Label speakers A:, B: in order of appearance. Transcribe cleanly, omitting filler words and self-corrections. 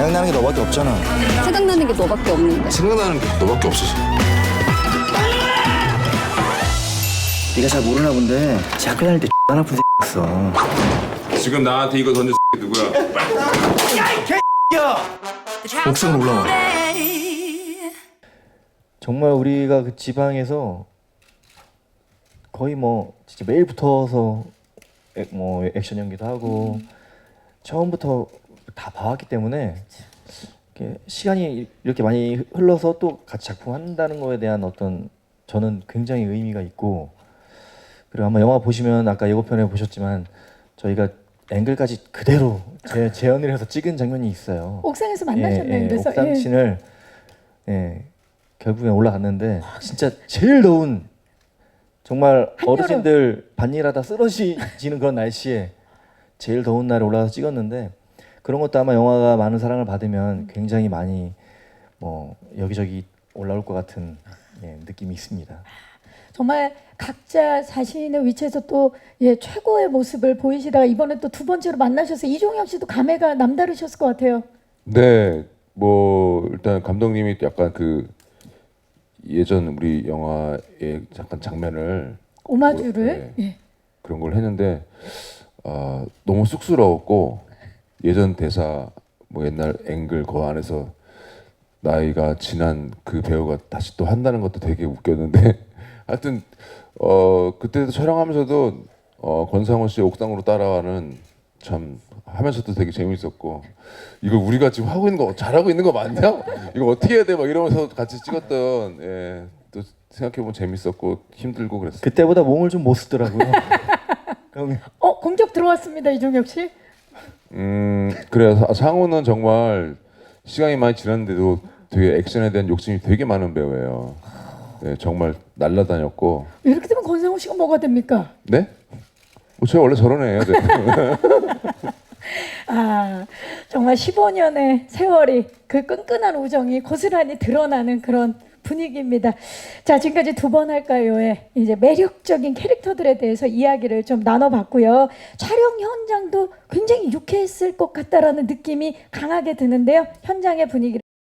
A: 생각나는 게 너밖에 없잖아.
B: 생각나는 게 너밖에 없는데.
C: 생각나는 게 너밖에 없어서.
A: 네가 잘 모르나 본데 대학교 다닐 때 X 아픈 새였어.
C: 지금 나한테 이거 던진 누구야?
A: 옥상으로 올라와.
D: 정말 우리가 그 지방에서 거의 뭐 진짜 매일 붙어서 뭐 액션 연기도 하고 처음부터 다 봐왔기 때문에 이렇게 시간이 이렇게 많이 흘러서 또 같이 작품 한다는 거에 대한 어떤 저는 굉장히 의미가 있고, 그리고 아마 영화 보시면 아까 예고편에 보셨지만 저희가 앵글까지 그대로 재현을 해서 찍은 장면이 있어요.
E: 옥상에서 만나셨나요? 그래서
D: 옥상신을 결국에 올라갔는데 진짜 제일 더운, 정말 어르신들 반일하다 쓰러지는 그런 날씨에 제일 더운 날에 올라가서 찍었는데, 그런 것도 아마 영화가 많은 사랑을 받으면 굉장히 많이 뭐 여기저기 올라올 것 같은 느낌이 있습니다.
E: 정말 각자 자신의 위치에서 또 최고의 모습을 보이시다가 이번에 또 두 번째로 만나셔서 이종혁 씨도 감회가 남다르셨을 것 같아요.
C: 네, 뭐 일단 감독님이 약간 그 예전 우리 영화의 잠깐 장면을
E: 오마주를
C: 그런 걸 했는데 너무 쑥스러웠고, 예전 대사 뭐 옛날 앵글 그 안에서 나이가 지난 그 배우가 다시 또 한다는 것도 되게 웃겼는데 하여튼 그때도 촬영하면서도 권상우 씨 옥상으로 따라가는 참 하면서도 되게 재밌었고, 이거 우리가 지금 하고 있는 거 잘하고 있는 거 맞냐? 이거 어떻게 해야 돼? 막 이러면서 같이 찍었던 또 생각해보면 재밌었고 힘들고 그랬어요.
D: 그때보다 몸을 좀 못 쓰더라고요.
E: 공격 들어왔습니다, 이종혁 씨.
C: 그래요. 상우는 정말 시간이 많이 지났는데도 되게 액션에 대한 욕심이 되게 많은 배우예요. 네, 정말 날라다녔고.
E: 이렇게 되면 권상우 씨가 뭐가 됩니까?
C: 네? 제가 원래 저런 애예요. 네.
E: 정말 15년의 세월이 그 끈끈한 우정이 고스란히 드러나는 그런 분위기입니다. 자, 지금까지 두 번 할까요의 이제 매력적인 캐릭터들에 대해서 이야기를 좀 나눠봤고요. 촬영 현장도 굉장히 유쾌했을 것 같다라는 느낌이 강하게 드는데요. 현장의 분위기를